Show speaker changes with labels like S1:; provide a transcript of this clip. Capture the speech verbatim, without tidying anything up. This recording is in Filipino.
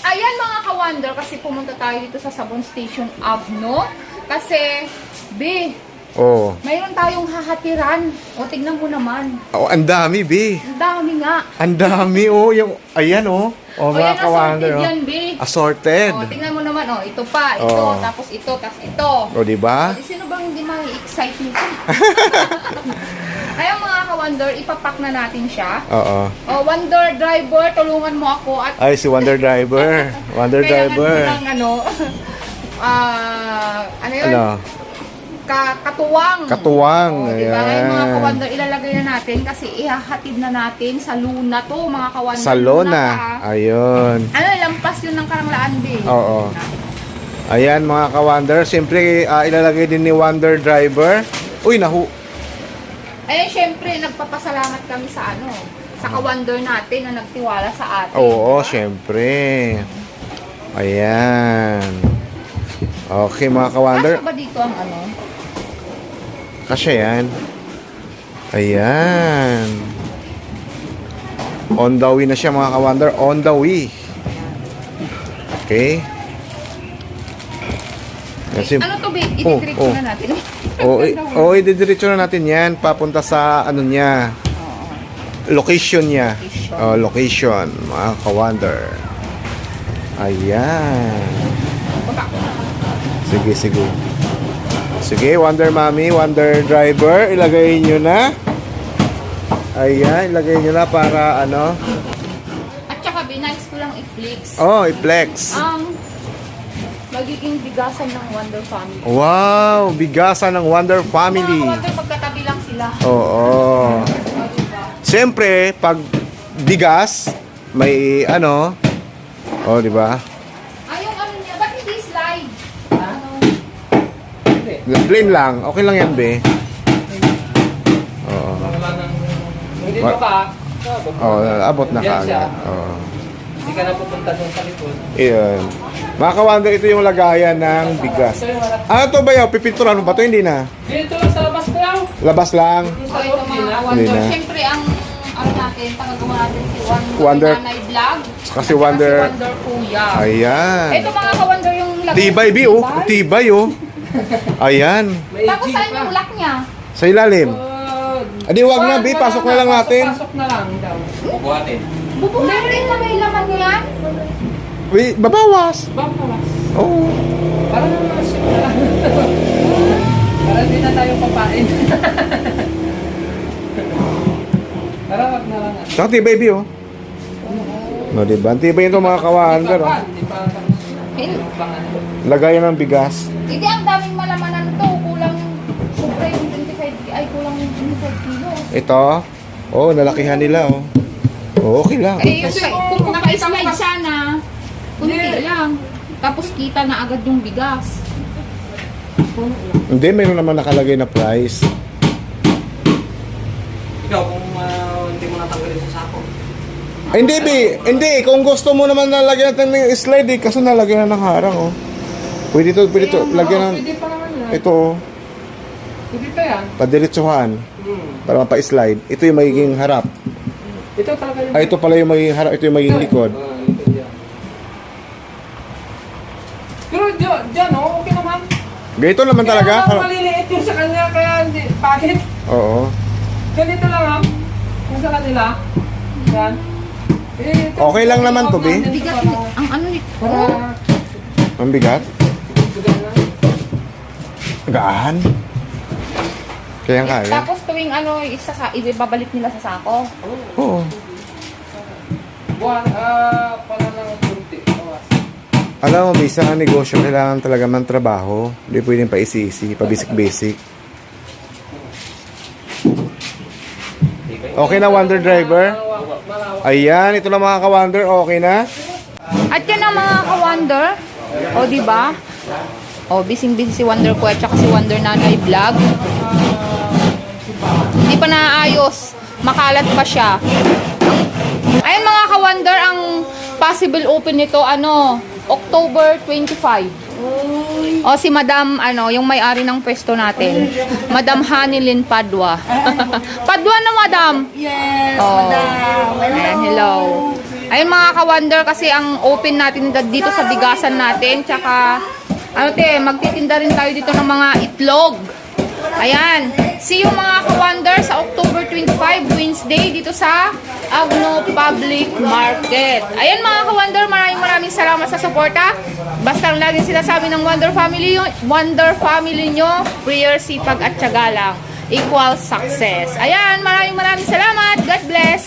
S1: Ayan mga ka-wonder, kasi pumunta tayo dito sa Sabon Station Avno. Kasi, B,
S2: Oh.
S1: mayroon tayong hahatiran. O, tignan mo naman.
S2: Oh, ang dami, B.
S1: Ang dami nga.
S2: Ang dami, oh. Yung, ayan, oh. Oh,
S1: O,
S2: mga
S1: yan,
S2: ka-wonder,
S1: assorted
S2: oh.
S1: yan, B.
S2: Assorted.
S1: O, tignan mo naman, o, ito pa, ito,
S2: Oh.
S1: tapos ito, tapos ito.
S2: O, di ba?
S1: O, di sino bang hindi ma-excite nito? Ayun mga ka-wonder, ipapak na natin siya.
S2: Oo.
S1: O, Wonder Driver, tulungan mo ako at
S2: Ay, si Wonder Driver. Wonder
S1: kailangan
S2: Driver.
S1: ko ng ano, ah, ano yun?
S2: Ano?
S1: Ka katuwang.
S2: Katuwang.
S1: O, diba? Ngayon mga
S2: Ayan.
S1: ka-wonder, ilalagay na natin kasi ihahatid na natin sa Luna to, mga ka-wonder.
S2: Sa Lona.
S1: pa.
S2: Ayun.
S1: Ano, lampas yun ng Karanglaan, B.
S2: Oo. Ayan, mga ka-wonder. Siyempre, ah, ilalagay din ni Wonder Driver. Uy, nahu...
S1: Ayun, syempre, nagpapasalamat kami sa ano, sa ka-wonder natin na nagtiwala sa atin.
S2: Oo,
S1: diba?
S2: siyempre. Ayan. Okay, mga ka-wonder.
S1: Kasya ba dito ang ano?
S2: Kasya yan. Ayan. On the way na siya, mga ka-wonder. On the way. Okay. Kasi,
S1: Ano to, B?
S2: Oh,
S1: Ititrip
S2: oh.
S1: na natin.
S2: o, o, ididiretso na natin yan. Papunta sa, ano niya, location niya. Oh, location, mga ka-wonder. Ayan. Sige, sige. Sige, Wonder Mommy, Wonder Driver, ilagay nyo na. Ayan, ilagay nyo na para ano.
S1: At saka, B, nice ko lang i-flex.
S2: Oh, i-flex.
S1: Ang magiging bigasan ng Wonder Family.
S2: Wow, bigasan ng Wonder
S1: Mga
S2: Family.
S1: ka-wonder, magkatabi lang sila.
S2: Oo.
S1: O, diba?
S2: Siyempre, pag bigas, may ano. Oh, di ba?
S1: Ay, yung ano niya, ba't hindi slide? Ano?
S2: Plain lang. Okay lang yan, be. Oo.
S3: Hindi pa ka.
S2: Oh, abot na
S3: Yan siya.
S2: kaagad. Oo.
S3: Hindi ka na pupunta doon sa likod.
S2: Iyon. Mga ka-wonder, ito yung lagayan ng bigas. Ano to ba yaw? Pipinturan mo ba to? Hindi na.
S3: Dito lang sa labas ko yaw.
S2: Labas lang.
S1: So, ito mga
S2: Hindi
S1: ka-wonder.
S2: na.
S1: Siyempre, ang ano natin, tagagawa natin si Wonder,
S2: Wonder-
S1: Nanay Vlog.
S2: Kasi
S1: At saka
S2: Wonder-
S1: si Wonder Kuya.
S2: Ayan.
S1: Ito mga ka-wonder yung lagay.
S2: Tibay, bi, oh. Tibay, oh. Ayan.
S3: May
S1: Tapos
S3: jeep
S1: saan
S3: pa.
S1: yung lock niya?
S2: Sa ilalim.
S3: Uh,
S2: Adi, wag na, bi. Pasok na lang natin.
S3: Pasok na lang daw. Bubuhatin.
S1: Bubuhatin na may laman yan?
S2: Wait, babawas.
S3: Babawas.
S2: Oo.
S3: Para naman siya na lang. Para hindi na tayo papain. Para wag na lang. ano.
S2: Saka tibay, bi, oh. No, diba? Ang tibay ito, mga ka-wonder, oh.
S3: Hindi pa tapos.
S1: Hindi.
S3: Pangan.
S2: Lagayan ng bigas.
S1: Hindi, ang daming malamanan to. Kulang yung, sobra yung twenty-five, ay kulang yung twenty-five kilos.
S2: Ito. Oh, nalakihan nila, oh. Oh, okay lang.
S1: Eh, yung,
S3: Kasi
S1: kung,
S3: kung
S1: kung
S3: nakita mo
S1: pa-slide
S3: kas-
S1: sana, kunti
S3: Hindi.
S1: lang. Tapos kita na agad yung bigas.
S2: Hindi, mayroon naman nakalagay na price.
S3: Ikaw kung uh, hindi mo natanggalin sa sako.
S2: Ay, hindi, bi. Hindi, kung gusto mo naman nalagyan natin ng slide, eh, kaso nalagyan na ng harang, oh. Pwede to, pwede to. Lagyan ng,
S3: Pwede pa naman yan.
S2: ito, oh.
S3: Pwede pa yan.
S2: Padiretsuhan.
S3: Hmm.
S2: Para mapa-slide. Ito yung magiging harap.
S3: Ito talaga yung...
S2: Ay, ito pala yung magiging harap. Ito yung magiging likod.
S3: Ah, likod yan. Pero dyan, dyan oh, okay naman.
S2: Ganito naman talaga.
S3: Kaya lang
S2: Harap.
S3: maliliit yung sa kanya, kaya hindi, bakit?
S2: Oo.
S3: Ganito lang ah. Yung sa kanila. Yan. Eh, ito-
S2: Okay lang naman to, Bi.
S1: Bigat,
S3: Para-
S1: ang ano nito.
S3: Para...
S2: Ang bigat.
S3: Bigat na.
S2: Gaan. Kaya kaya.
S1: Tapos tuwing ano, isa sa, ibabalik nila sa sako.
S2: Oo.
S3: Buwan, ah, pala ng kunti. Bawas.
S2: Alam mo, bisa ang negosyo, kailangan talaga ng trabaho. Hindi pwedeng pa isi-isi, pa basic-basic. Okay na, Wonder Driver?
S3: Malawak, malawak.
S2: Ayan, ito na mga ka-Wonder. Okay na?
S1: At yan ang mga ka-wonder. O, di ba? O, bising-busy si Wonder ko at saka si Wonder Nanay Vlog. Hindi pa naayos. Makalat pa siya. Ayun mga ka-wonder, ang possible open nito, ano, October twenty-five. O si Madam, ano, yung may-ari ng pwesto natin. Madam Hanilyn Padua. Padua na, Madam?
S4: Yes,
S1: Oh.
S4: madam. Hello.
S1: Ayan, hello. Ayun mga ka-wonder, kasi ang open natin dito sa bigasan natin. Tsaka, ano te, magtitinda rin tayo dito ng mga itlog. Ayan. See you mga ka-wonder sa October twenty-five, Wednesday, dito sa Agno Public Market. Ayan mga ka-wonder, maraming maraming salamat sa suporta. Basta lang lagi sinasabi ng Wonder Family, Wonder Family nyo, prayer, sipag at tiyaga lang equals success. Ayan, maraming maraming salamat. God bless.